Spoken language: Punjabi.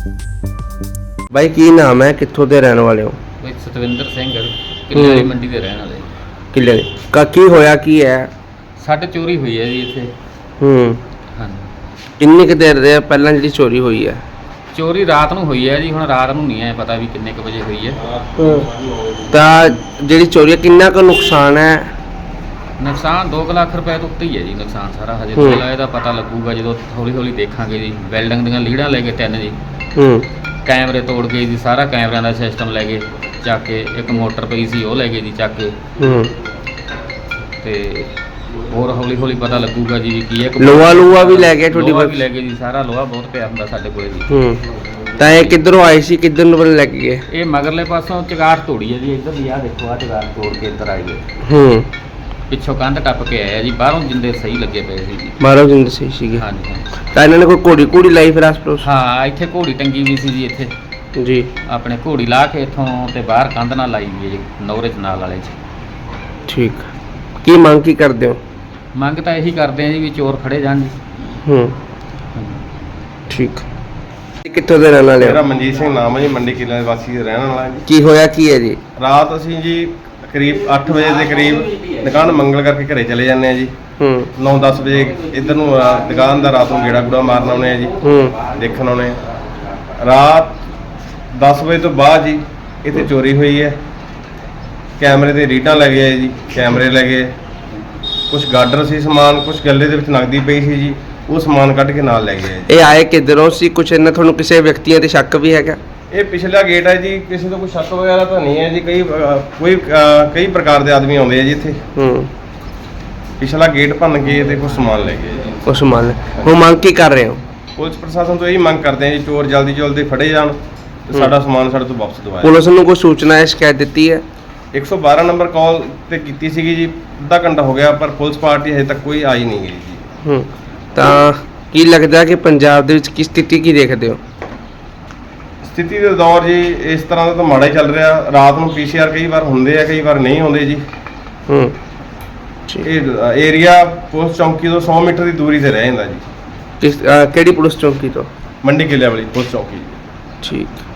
ਬਾਈ ਕੀ ਨਾਮ ਹੈ, ਕਿੱਥੋਂ ਦੇ ਰਹਿਣ ਵਾਲੇ ਹੋ? ਬਈ ਸਤਵਿੰਦਰ ਸਿੰਘ ਕਿੱਲੇ ਵਾਲੀ ਮੰਡੀ ਦੇ ਰਹਿਣ ਵਾਲੇ। ਕਿੱਲੇ ਦੇ ਕੀ ਹੋਇਆ ਕੀ ਹੈ? ਸਾਡੇ ਚੋਰੀ ਹੋਈ ਹੈ ਜੀ ਇੱਥੇ। ਹਾਂਜੀ। ਕਿੰਨੀ ਕੁ ਦੇਰ ਦੇ ਪਹਿਲਾਂ ਜਿਹੜੀ ਚੋਰੀ ਹੋਈ ਹੈ? ਚੋਰੀ ਰਾਤ ਨੂੰ ਹੋਈ ਹੈ ਜੀ। ਹੁਣ ਰਾਤ ਨੂੰ ਨਹੀਂ ਹੈ ਪਤਾ ਵੀ ਕਿੰਨੇ ਕੁ ਵਜੇ ਹੋਈ ਹੈ। ਤਾਂ ਜਿਹੜੀ ਚੋਰੀ ਹੈ ਕਿੰਨਾ ਕੁ ਨੁਕਸਾਨ ਹੈ? ਨੁਕਸਾਨ 2 ਲੱਖ ਰੁਪਏ ਤੋਂ ਉੱਤੇ ਹੀ ਹੈ ਜੀ ਨੁਕਸਾਨ ਸਾਰਾ। ਹਜੇ ਪਹਿਲਾਂ ਇਹਦਾ ਪਤਾ ਲੱਗੂਗਾ ਜਦੋਂ ਹੌਲੀ ਹੌਲੀ ਦੇਖਾਂਗੇ ਜੀ। ਬਿਲਡਿੰਗ ਦੀਆਂ ਲੀੜਾਂ ਲੈ ਕੇ 3 ਜੀ। ਕੈਮਰੇ ਤੋੜ ਕੇ ਜੀ, ਸਾਰਾ ਕੈਮਰਿਆਂ ਦਾ ਸਿਸਟਮ ਲੈ ਗਏ ਚੱਕ ਕੇ। ਇੱਕ ਮੋਟਰ ਪਈ ਸੀ ਉਹ ਲੈ ਗਏ ਜੀ ਚੱਕ ਕੇ। ਤੇ ਹੋਰ ਹੌਲੀ ਹੌਲੀ ਪਤਾ ਲੱਗੂਗਾ ਜੀ ਵੀ ਕੀ ਹੈ। ਲੋਹਾ ਵੀ ਲੈ ਗਏ ਤੁਹਾਡੀ? ਲੋਹਾ ਵੀ ਲੈ ਗਏ ਜੀ, ਸਾਰਾ ਲੋਹਾ ਬਹੁਤ ਪਿਆ ਹੁੰਦਾ ਸਾਡੇ ਕੋਲੇ ਜੀ। ਤਾਂ ਇਹ ਕਿੱਧਰੋਂ ਆਏ ਸੀ, ਕਿੱਧਰ ਨੂੰ ਲੈ ਕੇ ਗਏ? ਇਹ ਮਗਰਲੇ ਪਾਸੋਂ ਚਗਾਟ ਤੋੜੀ ਹੈ ਜੀ। ਇੱਧਰ ਦੀ ਆਹ ਦੇਖੋ, ਆਹ ਚਗਾਟ ਤੋੜ ਕੇ ਇੱਧਰ ਆਏ ਗਏ। ਪਿੱਛੋਂ ਕੰਧ ਟੱਪ ਕੇ ਆਇਆ ਜੀ। ਬਾਹਰੋਂ ਜਿੰਦੇ ਸਹੀ ਲੱਗੇ ਪਏ ਸੀ ਜੀ। ਬਾਹਰੋਂ ਜਿੰਦੇ ਸਹੀ ਸੀਗੇ? ਹਾਂਜੀ। ਤਾਂ ਇਹਨਾਂ ਨੇ ਕੋਈ ਘੋੜੀ ਲਾਈ ਫਿਰ ਆਸ-ਪਾਸ? ਹਾਂ, ਇੱਥੇ ਘੋੜੀ ਟੰਗੀ ਵੀ ਸੀ ਜੀ ਇੱਥੇ ਜੀ। ਆਪਣੇ ਘੋੜੀ ਲਾ ਕੇ ਇੱਥੋਂ ਤੇ ਬਾਹਰ ਕੰਧ ਨਾਲ ਲਾਈ ਵੀ ਹੈ ਜੀ, ਨੌਰੇ ਚ ਨਾਲ ਵਾਲੇ ਚ। ਠੀਕ। ਕੀ ਮੰਗ ਕੀ ਕਰਦੇ ਹੋ? ਮੰਗ ਤਾਂ ਇਹੀ ਕਰਦੇ ਆ ਜੀ ਵੀ ਚੋਰ ਫੜੇ ਜਾਣ ਜੀ। ਠੀਕ। ਕਿੱਥੋਂ ਦੇ ਰਹਿਣ ਵਾਲੇ ਹੋ? ਮੇਰਾ ਮਨਜੀਤ ਸਿੰਘ ਨਾਮ ਹੈ ਜੀ, ਮੰਡੀ ਕਿੱਲਿਆਂ ਦੇ ਵਾਸੀ ਦੇ ਰਹਿਣ ਵਾਲਾ ਜੀ। ਕੀ ਹੋਇਆ ਕੀ ਹੈ ਜੀ? ਰਾਤ ਅਸੀਂ ਜੀ ਕਰੀਬ 8 ਵਜੇ ਦੇ ਕਰੀਬ ਦੁਕਾਨ ਮੰਗਲ ਕਰਕੇ ਘਰੇ ਚਲੇ ਜਾਂਦੇ ਆ ਜੀ। 9-10 ਵਜੇ ਇੱਧਰ ਨੂੰ ਦੁਕਾਨ ਦਾ ਰਾਤ ਨੂੰ ਗੇੜਾ ਗੂੜਾ ਮਾਰਨ ਆਉਣੇ ਆ ਜੀ, ਦੇਖਣ ਆਉਣੇ। ਰਾਤ 10 ਵਜੇ ਤੋਂ ਬਾਅਦ ਜੀ ਇੱਥੇ ਚੋਰੀ ਹੋਈ ਹੈ। ਕੈਮਰੇ ਦੇ ਰੀਡਾਂ ਲੈ ਗਏ ਜੀ, ਕੈਮਰੇ ਲੈ ਗਏ। ਕੁਝ ਗਾਡਰ ਸੀ ਸਮਾਨ, ਕੁਝ ਗੱਲੇ ਦੇ ਵਿੱਚ ਨਕਦੀ ਪਈ ਸੀ ਜੀ, ਉਹ ਸਮਾਨ ਕੱਢ ਕੇ ਨਾਲ ਲੈ ਗਏ। ਇਹ ਆਏ ਕਿੱਧਰੋਂ ਸੀ? ਕੁਛ ਇਹਨਾਂ ਤੁਹਾਨੂੰ ਕਿਸੇ ਵਿਅਕਤੀਆਂ ਤੇ ਸ਼ੱਕ ਵੀ ਹੈਗਾ? ਇਹ ਪਿਛਲਾ ਗੇਟ ਹੈ ਜੀ, ਕਿਸੇ ਤੋਂ ਕੋਈ ਸ਼ੱਕ ਵਗੈਰਾ ਤਾਂ ਨਹੀਂ ਹੈ ਜੀ। ਕਈ ਪ੍ਰਕਾਰ ਦੇ ਆਦਮੀ ਆਉਂਦੇ ਆ ਜੀ ਇੱਥੇ। ਪਿਛਲਾ ਗੇਟ ਭੰਨ ਕੇ ਤੇ ਕੁਝ ਸਮਾਨ ਲੈ ਗਏ ਜੀ। ਉਸ ਸਮਾਨ ਹੁਣ ਮੰਗ ਕੀ ਕਰ ਰਹੇ ਹੋ? ਪੁਲਿਸ ਪ੍ਰਸ਼ਾਸਨ ਤੋਂ ਇਹੀ ਮੰਗ ਕਰਦੇ ਆ ਜੀ, ਚੋਰ ਜਲਦੀ ਜਲਦੀ ਫੜੇ ਜਾਣ ਤੇ ਸਾਡਾ ਸਮਾਨ ਸਾਡੇ ਤੋਂ ਵਾਪਸ ਦਿਵਾਇਆ। ਪੁਲਿਸ ਨੂੰ ਕੋਈ ਸੂਚਨਾ ਹੈ, ਸ਼ਿਕਾਇਤ ਦਿੱਤੀ ਹੈ? 112 ਨੰਬਰ ਕਾਲ ਤੇ ਕੀਤੀ ਸੀਗੀ ਜੀ, ਅੱਧਾ ਘੰਟਾ ਹੋ ਗਿਆ, ਪਰ ਪੁਲਿਸ ਪਾਰਟੀ ਹਜੇ ਤੱਕ ਕੋਈ ਆਈ ਨਹੀਂ ਗਈ ਜੀ। ਤਾਂ ਕੀ ਲੱਗਦਾ ਕਿ ਪੰਜਾਬ ਦੇ ਵਿੱਚ ਕੀ ਸਥਿਤੀ ਕੀ ਦੇਖਦੇ ਹੋ? ਸਥਿਤੀ ਦੇ ਦੌਰ ਜੀ ਇਸ ਤਰ੍ਹਾਂ ਦਾ ਤਾਂ ਮਾੜਾ ਹੀ ਚੱਲ ਰਿਹਾ। ਰਾਤ ਨੂੰ PCR ਕਈ ਵਾਰ ਹੁੰਦੇ ਆ, ਕਈ ਵਾਰ ਨਹੀਂ ਹੁੰਦੇ ਜੀ। ਇਹ ਏਰੀਆ ਪੁਲਿਸ ਚੌਂਕੀ ਤੋਂ 100 ਮੀਟਰ ਦੀ ਦੂਰੀ ਤੇ ਰਹਿ ਜਾਂਦਾ ਜੀ। ਕਿਹੜੀ ਪੁਲਿਸ ਚੌਂਕੀ ਤੋਂ? ਮੰਡੀ ਕਿੱਲਿਆਂ ਵਾਲੀ ਪੁਲਿਸ ਚੌਂਕੀ। ਠੀਕ।